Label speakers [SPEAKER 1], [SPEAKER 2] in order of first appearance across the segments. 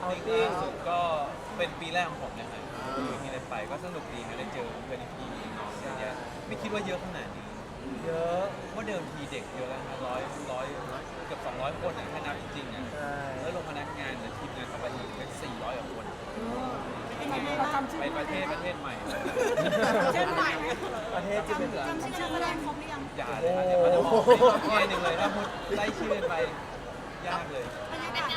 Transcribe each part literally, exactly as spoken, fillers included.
[SPEAKER 1] เอา
[SPEAKER 2] ติ้ง
[SPEAKER 1] ติ้ง
[SPEAKER 2] ล่าสุดก็เป็นปีแรกของผมนะครับที่ได้ไปก็สนุกดีนะได้เจอเพื่อนพี่น้องเยอะแยะไม่คิดว่าเยอะขนาดนี้
[SPEAKER 1] เยอะ
[SPEAKER 2] ว่าเดิมทีเด็กเยอะแล้วนะร้อยร้อยเกือบสองร้อยคนอ่ะถ้านับจริงๆอ่ะ
[SPEAKER 1] ใช่
[SPEAKER 2] แล้วลงพนักงานเนี่ยทีมงานเข้าไปอีกเป็นสี่ร้อยกว่าคน
[SPEAKER 3] เป็นยังไงบ้างจำชื่อ
[SPEAKER 2] ไปประเทศประเทศใหม่
[SPEAKER 3] เช่นใหม่
[SPEAKER 1] ประเทศที่เป็น
[SPEAKER 3] จำชื่อนักแสดงครบหรือยัง
[SPEAKER 2] อย่าเลยครับเดี๋ยวมันจะมองไม่แค่หนึ่งเลยถ้าพูดไล่ชื่อไปยากเลย
[SPEAKER 3] บรรยากาศ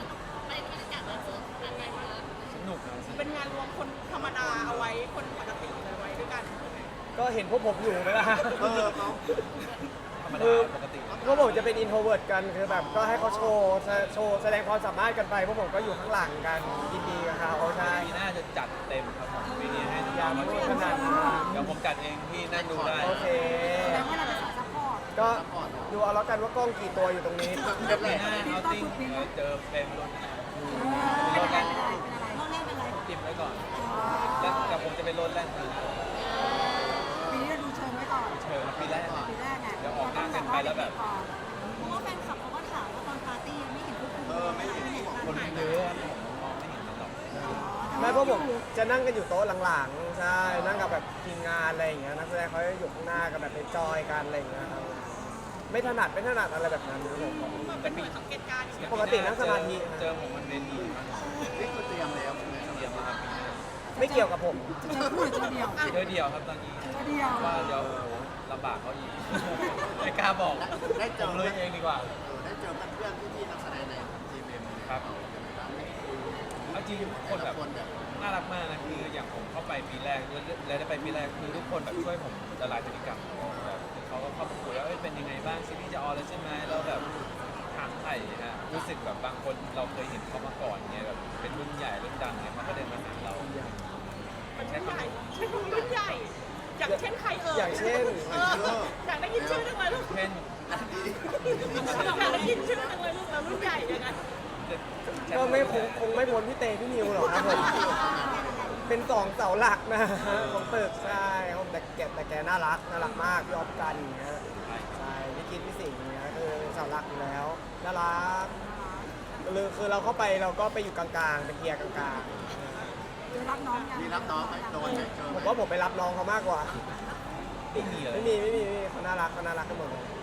[SPEAKER 2] สนุกนะ
[SPEAKER 3] เป็นงานรวมคนธรรมดาเอาไว้คนปกติเลยไว้ด้วยกัน
[SPEAKER 1] ก็เห็นพวกผมอยู่ไหมล่ะ
[SPEAKER 4] เออเขา
[SPEAKER 2] ธรรม
[SPEAKER 1] คื
[SPEAKER 2] ดา
[SPEAKER 1] อ
[SPEAKER 2] ปกติ
[SPEAKER 1] พวกผมจะเป็นอินโทรเวิร์ตกันคือแบบก็ให้เขาโชว์แสโชว์แสดงความสามารถกันไปพวกผมก็อยู่ข้างหลังกันยินดีกับเขาใช่
[SPEAKER 2] ปีหน้าจะจัดเต็มครับผมปีนี้ให้น้
[SPEAKER 1] ยั
[SPEAKER 2] อง
[SPEAKER 1] ง
[SPEAKER 2] ๆมา
[SPEAKER 1] ไม่
[SPEAKER 2] ดู
[SPEAKER 1] ขนาดนั้น
[SPEAKER 2] เดี๋ยวผมจัดเองพี่นั่งดูได้
[SPEAKER 1] โอเค
[SPEAKER 3] แสดงว่าเราเป็นสายซัพพอร์ต
[SPEAKER 1] ก็ดูเอาแล้วกันว่ากล้องกี่ตัวอยู่ตรงนี้
[SPEAKER 2] ปีหน้าเอาติ้งเจอเป็นรุ่น
[SPEAKER 3] เป็นอะไรเป็นอะไรน้องเล่นเป็นอะไร
[SPEAKER 2] ติมไว้ก่อนแล้วแต่ผมจะเป็นรถแรก
[SPEAKER 3] ปีนี้เราดูเชิงไว้ก่อน
[SPEAKER 2] เชิญปีแรก
[SPEAKER 3] ปีแรกไง
[SPEAKER 2] เดี๋ยวออกหน้ากันไปแล้วแบบ
[SPEAKER 3] เพราะว่าแฟนคลับเขาก็ถามว่าตอนปาร์ตี้ไม่เห็นพวกคุณ
[SPEAKER 4] เออไม่เห็น
[SPEAKER 2] คนเยอะผมมองไม่เห็นมันหรอก
[SPEAKER 1] ไม่เพราะผมจะนั่งกันอยู่โต๊ะหลังๆใช่นั่งกับแบบทีมงานอะไรอย่างเงี้ยนักแสดงเขาจะอยู่ข้างหน้ากันแบบเป็นจอยกันอะไรอย่างเงี้ยครับไม่ถนัดไม่ถนัดอะไรแบบนั้นครับผม
[SPEAKER 2] แต่ปี
[SPEAKER 3] สังเกตการณ์
[SPEAKER 1] ปกตินั่งสมาธิ
[SPEAKER 2] เจอผมมันเป็นดี
[SPEAKER 4] นี่คือเตรียมแล้วใช่ไหม
[SPEAKER 2] เดียวมาครับปีหน้า
[SPEAKER 1] ไม่เกี่ยวกับผม
[SPEAKER 3] จะพูดเจอเดียว
[SPEAKER 2] เดียวเดียวครับตอนนี้
[SPEAKER 3] เจอเดียว
[SPEAKER 2] ว่าเดี๋ยวโอ้โหลำบากเขาอีกไม่กล้าบอก
[SPEAKER 4] ได้เจ
[SPEAKER 2] ผ
[SPEAKER 4] อ
[SPEAKER 2] มเลยเองดีกว่า
[SPEAKER 4] เออได้เจอเพื่อนๆพี่ๆนักแสดงในทีมเอ็ม
[SPEAKER 2] ครับเอาจริงทุกคนแบบ
[SPEAKER 4] คนแบบ
[SPEAKER 2] น่ารักมากนะคืออย่างผมเข้าไปปีแรกแล้วได้ไปปีแรกคือทุกคนแบบช่วยผมละลายพฤติกรรมแบบเขาก็เข้ามาคุยว่าเอ้ยเป็นยังไงบ้างซีรีส์จะออนแล้วใช่ไหมแล้วแบบถามไถ่ฮะรู้สึกแบบบางคนเราเคยเห็นเขามาก่อนเนี่ยแบบเป็นรุ่นใหญ่รุ่นดังเนี่ยมันก็เดินมาหาเรา
[SPEAKER 3] มันใช่ใหญ่ใช่รุ่นใหญ่ อย่างเช่นใครเอ่ย
[SPEAKER 1] อย่างเช่น
[SPEAKER 3] เอออยากได้ยินชื่อจังเลยลูก
[SPEAKER 2] เช่น
[SPEAKER 3] อยากได้ยินชื่อจังเลยลูกแล้วรุ่นใหญ่ยังไง
[SPEAKER 1] ก็ไม่คงคงไม่พ้นพี่เตพี่นิวหรอกครับผมเป็นสองเสาหลักนะของตึกใช่ครับแต่แกแต่แกน่ารักน่ารักมากพี่ออฟกันอย่างเงี้ยใช่พี่กินพี่สิงห์อย่างเงี้ยคือเป็นเสาหลักอยู่แล้วน่ารักคือคือเราเข้าไปเราก็ไปอยู่กลางๆไปเคลียร์กลาง
[SPEAKER 3] คือรับน้องยัง
[SPEAKER 4] มีรับน้องไหมโดนไหมเจอ
[SPEAKER 1] ๆ
[SPEAKER 4] ไห
[SPEAKER 1] ผม มว่าผมไปรับน้องเขามากกว่า
[SPEAKER 2] ไม่มีเลย
[SPEAKER 1] ไม่มีไม่มีไม่มีเขาน่ารักเขาน่ารักกันหมดเลย